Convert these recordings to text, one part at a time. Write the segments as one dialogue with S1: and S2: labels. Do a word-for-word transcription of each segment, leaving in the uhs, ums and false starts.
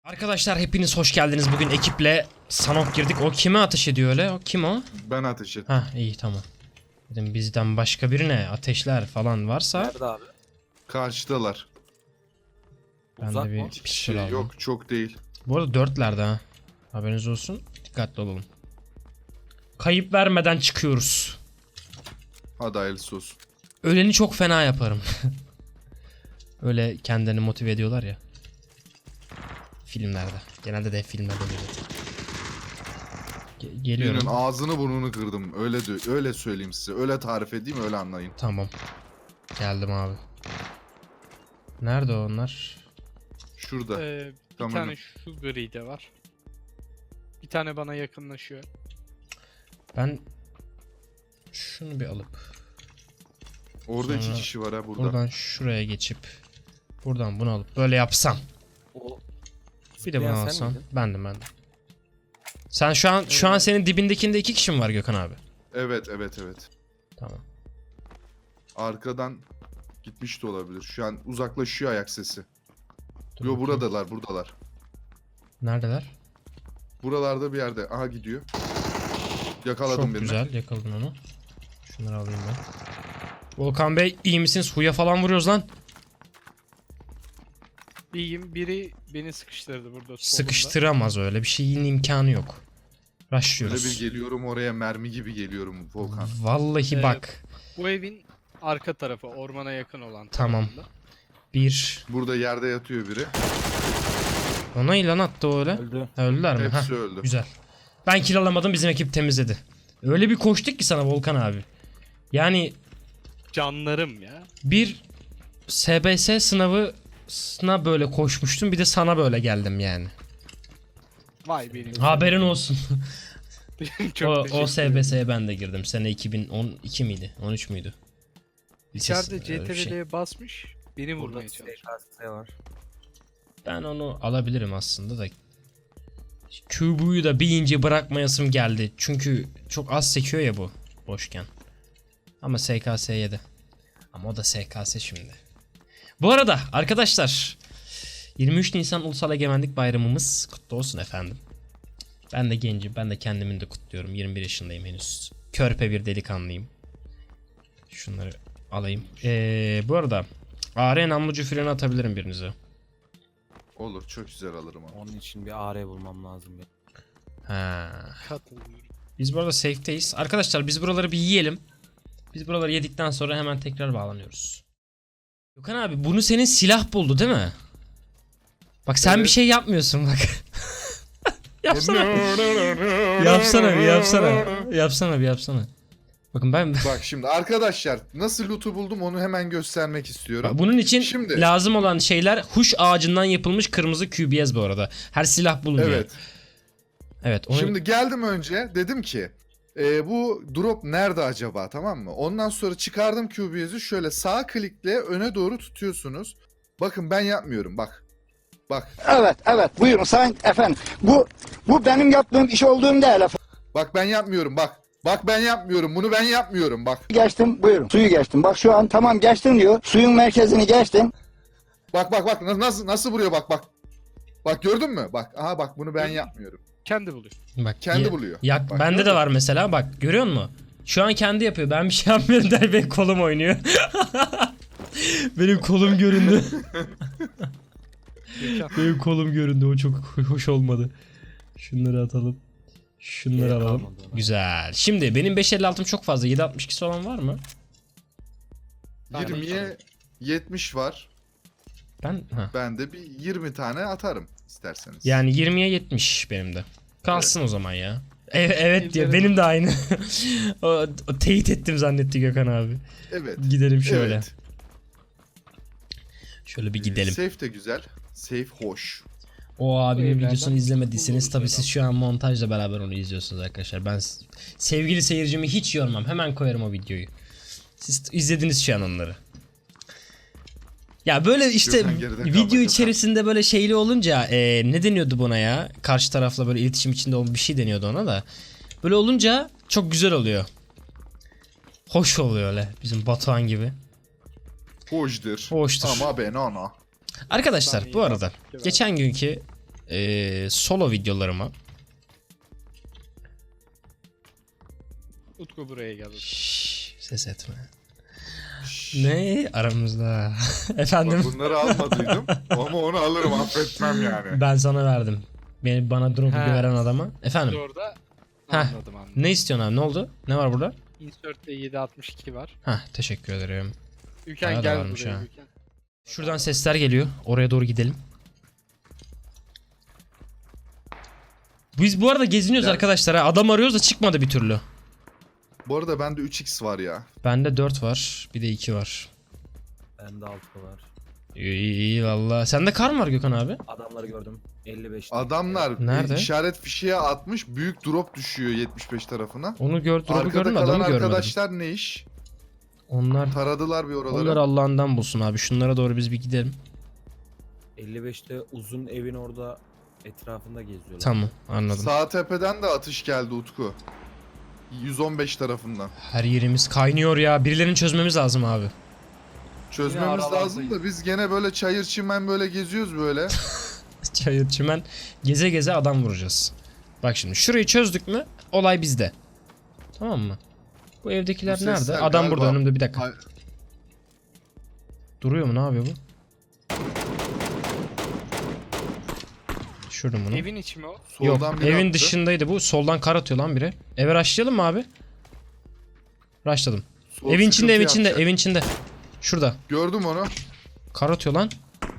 S1: Arkadaşlar hepiniz hoş geldiniz. Bugün ekiple Sanok girdik. O kime ateş ediyor öyle? O kim o?
S2: Ben ateş ettim.
S1: Ha iyi tamam. Dedim bizden başka birine ateşler falan varsa.
S3: Nerede abi?
S2: Karşıdalar.
S1: Ben
S3: Uzak
S1: de
S3: mı?
S1: bir
S2: Bir
S1: pistol
S2: şey
S1: aldım.
S2: yok, çok değil.
S1: Bu arada dörtlerde ha. Haberiniz olsun. Dikkatli olalım. Kayıp vermeden çıkıyoruz.
S2: Hadi hayırlısı olsun.
S1: Öleni çok fena yaparım. Öyle kendini motive ediyorlar ya. Filmlerde. Genelde de hep filmlerde oluyor. Ge- geliyorum.
S2: Birinin ağzını burnunu kırdım. Öyle de, öyle söyleyeyim size. Öyle tarif edeyim, öyle anlayın.
S1: Tamam. Geldim abi. Nerede onlar?
S2: Şurada.
S4: Ee, bir
S2: Tamam.
S4: tane şu gri de var. Bir tane bana yakınlaşıyor.
S1: Ben şunu bir alıp
S2: Orada iki
S1: sonra
S2: kişi var ha burada.
S1: buradan şuraya geçip buradan bunu alıp böyle yapsam.
S3: O
S1: Bir de bunu
S3: zıplayan sen
S1: alsam.
S3: miydin?
S1: Bendim bendim. Sen şu an şu an senin dibindekinde iki kişi mi var Gökhan abi?
S2: Evet, evet, evet.
S1: Tamam.
S2: Arkadan gitmiş de olabilir. Şu an uzaklaşıyor ayak sesi.
S1: Dur
S2: Yo
S1: bakayım.
S2: buradalar, buradalar.
S1: Neredeler?
S2: Buralarda bir yerde. Aha gidiyor. Yakaladım
S1: Çok
S2: birini.
S1: güzel yakaladın onu. Şunları alayım ben. Volkan Bey iyi misiniz? Huya falan vuruyoruz lan.
S4: İyiyim. Biri beni sıkıştırdı burada. solumda.
S1: Sıkıştıramaz öyle bir şeyin imkanı yok.
S2: Böyle
S1: Rushlıyoruz.
S2: bir geliyorum oraya, mermi gibi geliyorum Volkan.
S1: Vallahi
S4: Ee,
S1: bak.
S4: Bu evin arka tarafı, ormana yakın olan
S1: Tamam.
S4: tarafında.
S1: Bir.
S2: Burada yerde yatıyor biri.
S1: Ona ilan attı o öyle.
S3: öldü.
S1: Ha, öldüler mi?
S2: Hepsi
S1: Heh,
S2: öldü.
S1: güzel. Ben kill alamadım, bizim ekip temizledi. Öyle bir koştuk ki sana Volkan abi. Yani
S4: Canlarım ya.
S1: bir S B S sınavına böyle koşmuştum, bir de sana böyle geldim yani.
S4: Vay benim.
S1: Haberin olsun.
S4: Çok
S1: o,
S4: teşekkür
S1: o S B S'ye ben de girdim. Sene iki bin on iki miydi? on üç müydü? Lisesi,
S4: İçeride
S1: öyle bir şey.
S4: C T R L'ye basmış. Beni
S3: Burada
S4: vurmaya
S3: S
S4: çalışıyor.
S3: K S var.
S1: Ben onu alabilirim aslında da. Cube'yu da bir ince bırakmayasım geldi. Çünkü çok az sekiyor ya bu boşken. Ama S K S yedi. Ama o da S K S şimdi. Bu arada arkadaşlar, yirmi üç Nisan Ulusal Egemenlik Bayramımız kutlu olsun efendim. Ben de gencim, ben de kendimin de kutluyorum. yirmi bir yaşındayım henüz. Körpe bir delikanlıyım. Şunları alayım. Ee, bu arada A R namlucu freni atabilirim birinize.
S2: Olur, çok güzel alırım ama.
S3: Onun için bir A R bulmam lazım benim.
S1: Ha.
S4: Katılıyorum.
S1: Biz burada safe'teyiz. Arkadaşlar biz buraları bir yiyelim. Biz buraları yedikten sonra hemen tekrar bağlanıyoruz. Gökhan abi bunu senin silah buldu değil mi? Bak sen
S2: Evet.
S1: bir şey yapmıyorsun bak. Yapsana. Yapsana bir yapsana. Yapsana bir yapsana. Bakın ben
S2: Bak şimdi arkadaşlar, nasıl loot'u buldum onu hemen göstermek istiyorum.
S1: Bak, bunun için
S2: Şimdi-
S1: lazım olan şeyler huş ağacından yapılmış kırmızı Q B S bu arada. Her silah bulunca.
S2: Evet.
S1: Evet. Onu...
S2: Şimdi geldim önce, dedim ki e, bu drop nerede acaba, tamam mı? Ondan sonra çıkardım Q B S'i, şöyle sağ klikle öne doğru tutuyorsunuz. Bakın ben yapmıyorum, bak. Bak.
S5: Evet, evet. Buyurun sayın efendim. Bu bu benim yaptığım iş olduğum değil efendim.
S2: Bak ben yapmıyorum, bak. Bak ben yapmıyorum, bunu ben yapmıyorum, bak.
S5: Geçtim, buyurun. Suyu geçtim. Bak şu an tamam geçtim diyor. Suyun merkezini geçtim.
S2: Bak bak bak nasıl nasıl vuruyor, bak bak. Bak gördün mü? Bak aha bak bunu ben yapmıyorum.
S4: Kendi buluyor.
S1: Bak,
S2: Kendi
S1: ya-
S2: buluyor.
S1: Yak,
S2: Bak,
S1: bende
S2: gördün
S1: de
S2: mü?
S1: var mesela, bak görüyor musun? Şu an kendi yapıyor. Ben bir şey yapmıyorum der, benim kolum oynuyor. Benim kolum göründü.
S4: Gökhan.
S1: Benim kolum göründü. O çok hoş olmadı. Şunları atalım. Şunları
S3: Gerek
S1: alalım.
S3: kalmadı ona.
S1: Güzel. Şimdi benim beş elli altım çok fazla. yedi altmış ikisi olan var mı?
S2: yirmiye yetmiş var.
S1: Ben ha.
S2: Ben de bir yirmi tane atarım isterseniz.
S1: Yani yirmiye yetmiş benim de. Kalsın o zaman ya. E- evet diyor.
S4: Ellerim-
S1: Benim de aynı. o, o teyit ettim zannetti Gökhan abi.
S2: Evet.
S1: Gidelim şöyle.
S2: Evet.
S1: Şöyle bir
S2: Ee,
S1: gidelim.
S2: Safe de güzel. Safe hoş.
S1: O abinin
S4: evlerden
S1: videosunu izlemediyseniz
S4: buluruz
S1: tabii
S4: herhalde.
S1: siz şu an montajla beraber onu izliyorsunuz arkadaşlar. Ben s- sevgili seyircimi hiç yormam. Hemen koyarım o videoyu. Siz izlediniz şu an onları. Ya böyle işte
S2: Gökhan geride kalma,
S1: video
S2: Gökhan.
S1: içerisinde böyle şeyli olunca e, ne deniyordu buna ya? Karşı tarafla böyle iletişim içinde olan bir şey deniyordu ona da. Böyle olunca çok güzel oluyor. Hoş oluyor öyle bizim Batuhan gibi.
S2: Hoştur.
S1: Hoştur.
S2: Ama ben ona.
S1: Arkadaşlar bu arada geçen günkü e, solo videolarıma
S4: Utku buraya gel.
S1: Şşş, ses etme. Ne aramızda? Efendim?
S2: Bak bunları almadıydım ama onu alırım, affetmem yani.
S1: Ben sana verdim. Beni bana drop'u
S4: He.
S1: veren adama. Efendim?
S4: Orada
S1: Heh.
S4: anladım anladım.
S1: Ne istiyorsun abi? Ne oldu? Ne var burada?
S4: Insert'te yedi altmış iki var.
S1: Hah, teşekkür ederim.
S4: Ülken
S1: Bayağı da
S4: gel
S1: varmış
S4: buraya
S1: ha.
S4: Ülken.
S1: Şuradan sesler geliyor. Oraya doğru gidelim. Biz bu arada geziniyoruz
S2: Gel.
S1: arkadaşlar. Ha. Adam arıyoruz da çıkmadı bir türlü.
S2: Bu arada bende üç x var ya.
S1: Bende dört var. Bir de iki var.
S3: Bende altı var.
S1: İyi, iyi, iyi valla. Sende kar mı var Gökhan abi?
S3: Adamları gördüm. elli beş.
S2: Adamlar
S1: Nerede?
S2: e, işaret fişeğe atmış, büyük drop düşüyor yetmiş beş tarafına.
S1: Onu gör, drop'u
S2: Arkada
S1: gördüm,
S2: kalan
S1: adamı görmedim.
S2: arkadaşlar ne iş?
S1: Onlar
S2: Taradılar bir oraları.
S1: onlar Allah'ından bulsun abi. Şunlara doğru biz bir gidelim.
S3: elli beşte uzun evin orada etrafında geziyorlar.
S1: Tamam, anladım.
S2: Sağ tepeden de atış geldi Utku. yüz on beş tarafından.
S1: Her yerimiz kaynıyor ya. Birilerini çözmemiz lazım abi.
S2: Çözmemiz
S4: aralardayız.
S2: lazım da biz gene böyle çayır çimen böyle geziyoruz böyle.
S1: Çayır çimen geze geze adam vuracağız. Bak şimdi şurayı çözdük mü olay bizde. Tamam mı? Bu evdekiler
S2: Bu
S1: nerede?
S2: sesler
S1: Adam
S2: galiba-
S1: burada önümde, bir dakika.
S2: Ay-
S1: Duruyor mu? Ne yapıyor bu? Düşürdüm bunu.
S4: Evin içi mi o?
S1: Yok,
S2: Soldan biri
S1: evin
S2: attı.
S1: dışındaydı bu. Soldan kar atıyor lan biri. Eve rushlayalım mı abi? Rushladım.
S2: Sol
S1: Evin içinde, evin
S2: sıkıntı
S1: içinde,
S2: yapacak.
S1: evin içinde. Şurada.
S2: Gördüm onu.
S1: Kar atıyor lan.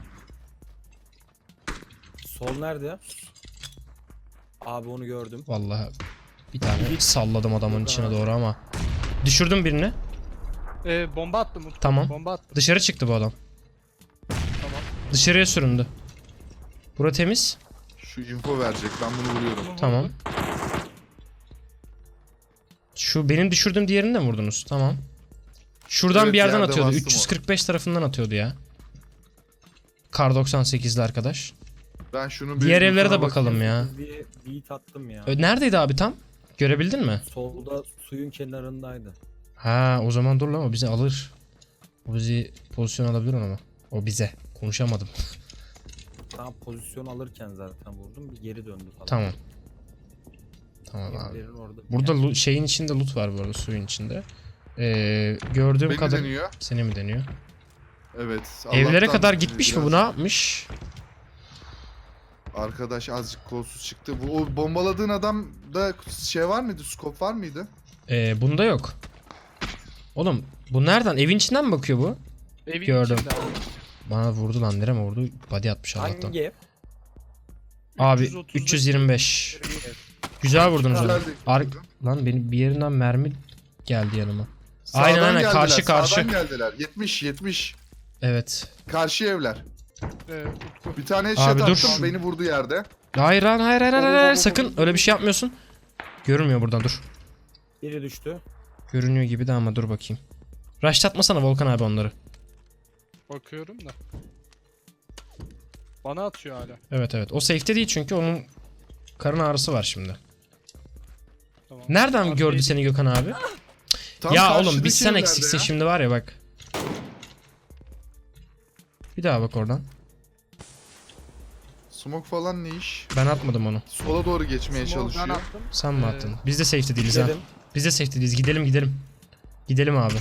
S3: Sol nerede? Abi onu gördüm.
S1: Vallahi bir tane salladım adamın içine doğru ama. Düşürdüm birini.
S4: Ee, bomba attım Utku.
S1: Tamam.
S4: Bomba attım.
S1: Dışarı çıktı bu adam.
S4: Tamam.
S1: Dışarıya süründü. Bura temiz.
S2: Şu info verecek, ben bunu vuruyorum.
S4: Bunu
S1: Tamam.
S4: vurdum.
S1: Şu benim düşürdüğüm diğerini de mi vurdunuz? Tamam. Şuradan
S2: Evet,
S1: bir yerden
S2: yerde
S1: atıyordu.
S2: bastım
S1: üç yüz kırk beş tarafından atıyordu ya. Kar doksan sekizli arkadaş.
S2: Ben şunun bir
S1: Diğer evlere de
S2: lootuna
S1: bakalım
S2: bakayım.
S1: ya.
S3: Bir beat attım ya.
S1: Ö, Neredeydi abi tam? Görebildin mi?
S3: Solda suyun kenarındaydı.
S1: Ha, o zaman dur lan, o bizi alır. O bizi pozisyon alabilir ama. O bize. Konuşamadım.
S3: Tam pozisyon alırken zaten vurdum. Bir geri döndü falan.
S1: Tamam. Tamam abi.
S3: Evlerin orada.
S1: Burada lo- şeyin içinde loot var bu arada, suyun içinde. Ee, gördüğüm
S2: Beni
S1: kadar...
S2: deniyor.
S1: Seni mi deniyor?
S2: Evet.
S1: Evlere
S2: Allah'tan
S1: kadar gitmiş mi
S2: biraz-
S1: bu, ne yapmış?
S2: Arkadaş azıcık kolsuz çıktı. Bu o bombaladığın adamda şey var mıydı? Scope var mıydı?
S1: Ee, bunda yok. Oğlum bu nereden? Evin içinden mi bakıyor bu?
S4: Evin
S1: Gördüm.
S4: içinde abi.
S1: Bana vurdu lan, nereye vurdu? Body atmış Allah'tan.
S3: Hangi ev?
S1: Abi
S4: üç yüz otuz beş.
S1: üç yüz yirmi beş. Güzel vurdunuz onu.
S2: Güzel de-
S1: Ar lan benim bir yerinden mermi geldi yanıma.
S2: Sağdan
S1: Aynen, aynen,
S2: geldiler,
S1: karşı, karşı.
S2: Sağdan geldiler. yetmiş yetmiş.
S1: Evet.
S2: Karşı evler.
S4: Ee, Utku.
S2: Bir tane headshot
S1: Abi dur.
S2: attım, beni vurdu yerde.
S1: Hayır lan, hayır hayır hayır, hayır. Sakın öyle bir şey yapmıyorsun. Görünmüyor buradan, dur.
S3: Biri düştü.
S1: Görünüyor gibi de ama dur bakayım. Rushlatmasana Volkan abi onları.
S4: Bakıyorum da. Bana atıyor hala.
S1: Evet evet. O safe'te değil çünkü onun karın ağrısı var şimdi.
S4: Tamam.
S1: Nereden
S4: Arkaya
S1: gördü
S4: git.
S1: seni Gökhan abi?
S2: Tam
S1: Ya oğlum
S2: karşıdaki
S1: biz sen
S2: evlerde
S1: eksiksin
S2: ya.
S1: şimdi var ya bak. Bir daha bak oradan.
S2: Smoke falan ne iş?
S1: Ben atmadım onu.
S2: Sola doğru geçmeye
S4: Smoke ben
S2: çalışıyor.
S4: attım.
S1: Sen mi
S4: Ee,
S1: attın? Biz de safety değiliz ha.
S3: Dedim.
S1: Biz de safety değiliz. Gidelim gidelim. Gidelim abi.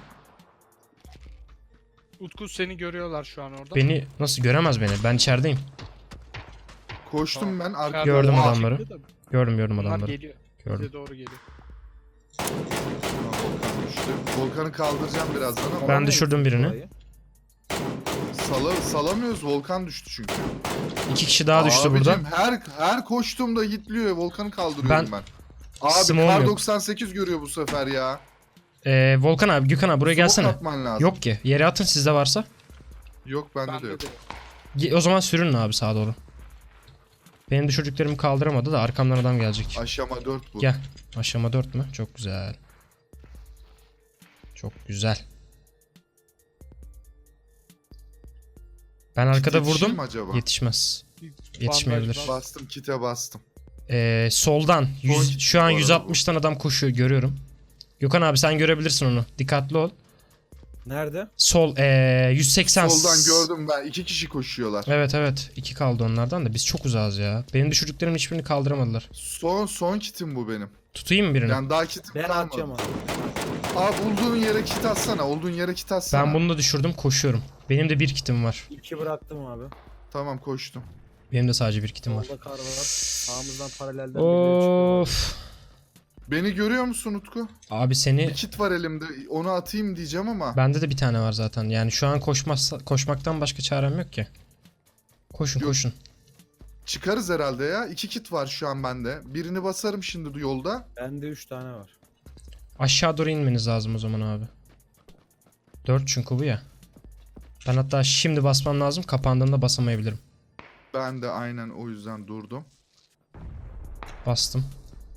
S4: Utku seni görüyorlar şu an orada.
S1: Beni nasıl göremez beni? Ben içerideyim.
S2: Koştum ben arka.
S4: İçeride
S1: Gördüm
S4: onlar
S1: adamları.
S4: çıktı da
S1: Gördüm gördüm
S4: Bunlar
S1: adamları.
S4: geliyor.
S1: Gördüm.
S4: Bize doğru geliyor.
S2: Volkan düştü. Volkan'ı kaldıracağım birazdan ama
S1: Ben düşürdüm birini.
S3: Orayı.
S2: sala, salamıyoruz. Volkan düştü çünkü.
S1: İki kişi daha düştü
S2: Abicim,
S1: burada.
S2: her her koştuğumda hitliyor. Volkan'ı kaldırıyorum ben. Abi
S1: Smoke'um
S2: kar
S1: yok.
S2: doksan sekiz görüyor bu sefer ya.
S1: Ee, Volkan abi, Gökhan abi buraya
S2: Smoke
S1: gelsene.
S2: atman lazım.
S1: Yok ki. Yere atın sizde varsa.
S2: Yok bende de
S4: Bende
S2: yok.
S4: de.
S1: Ge- O zaman sürün abi sağa doğru. Benim düşürdüklerimi kaldıramadı da arkamdan adam gelecek.
S2: Aşama dört bu.
S1: Gel. Aşama dört mü? Çok güzel. Çok güzel. Ben arkada
S2: Yetişir
S1: vurdum.
S2: mi acaba?
S1: Yetişmez.
S4: Bir
S1: Yetişmeyebilir.
S4: bandaj var.
S2: Bastım kite bastım.
S1: Ee, soldan. yüz,
S2: Son-
S1: şu an
S2: bu arada
S1: yüz altmıştan adam koşuyor, görüyorum. Gökhan abi sen görebilirsin onu. Dikkatli ol.
S3: Nerede?
S1: Sol ee, yüz seksen.
S2: Soldan gördüm ben. iki kişi koşuyorlar.
S1: Evet evet. iki kaldı onlardan da biz çok uzağız ya. Benim düşürdüklerimin hiçbirini kaldıramadılar.
S2: Son son kitim bu benim.
S1: Tutayım mı birini?
S2: Yani daha kitim
S3: Ben
S2: kalmadı.
S3: atacağım abi.
S2: Abi bulduğun yere kit atsana. Olduğun yere kit atsana.
S1: Ben bunu da düşürdüm, koşuyorum. Benim de bir kitim var.
S3: İki bıraktım abi.
S2: Tamam koştum.
S1: Benim de sadece bir kitim var.
S3: Solda kar var. Sağımızdan paralelden birileri çıkıyor.
S1: Of.
S2: Beni görüyor musun Utku?
S1: Abi seni
S2: Bir kit var elimde. Onu atayım diyeceğim ama.
S1: bende de bir tane var zaten. Yani şu an koşmazsa koşmaktan başka çarem yok ki. Koşun
S2: Yok.
S1: koşun.
S2: Çıkarız herhalde ya. İki kit var şu an bende. Birini basarım şimdi yolda.
S3: Bende üç tane var.
S1: Aşağı doğru inmeniz lazım o zaman abi. dört çünkü bu ya. Ben hatta şimdi basmam lazım. Kapandığında basamayabilirim.
S2: Ben de aynen o yüzden durdum.
S1: Bastım.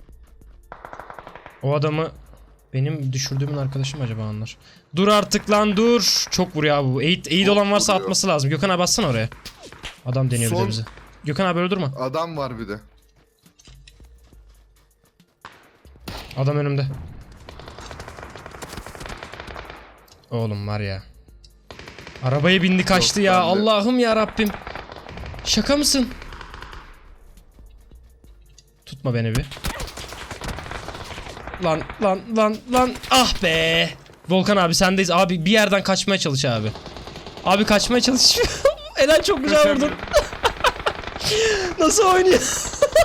S1: O adamı benim düşürdüğümün arkadaşım acaba anlar. Dur artık lan dur. Çok vuruyor abi bu. Eğit, eğit
S2: Çok
S1: olan varsa
S2: vuruyor.
S1: atması lazım. Gökhan abi bassana oraya. Adam deniyor bir de
S2: Son-
S1: bizi. Gökhan abi öldürme.
S2: Adam var bir de.
S1: Adam önümde. Oğlum var ya. Arabaya bindi kaçtı
S2: Yok,
S1: ya.
S2: ben de.
S1: Allah'ım ya Rabbim. Şaka mısın? Tutma beni bir. Lan lan lan lan. Ah be. Volkan abi sendeyiz. Abi bir yerden kaçmaya çalış abi. Abi kaçmaya çalış. Eren çok güzel vurdun. Nasıl oynuyor?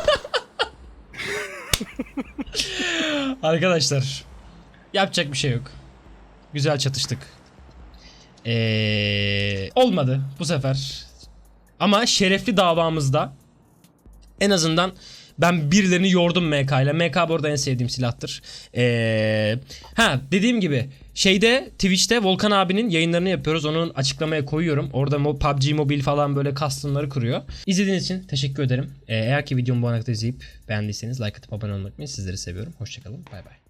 S1: Arkadaşlar. Yapacak bir şey yok. Güzel çatıştık. Ee, olmadı bu sefer. Ama şerefli davamızda en azından ben birilerini yordum M K ile. M K bu arada en sevdiğim silahtır. Ee, ha dediğim gibi şeyde Twitch'te Volkan abinin yayınlarını yapıyoruz. Onun açıklamaya koyuyorum. Orada mo- P U B G Mobile falan böyle custom'ları kuruyor. İzlediğiniz için teşekkür ederim. Ee, eğer ki videomu bu ana kadar izleyip beğendiyseniz like atıp abone olmayı unutmayın. Sizleri seviyorum. Hoşçakalın. Bay bay.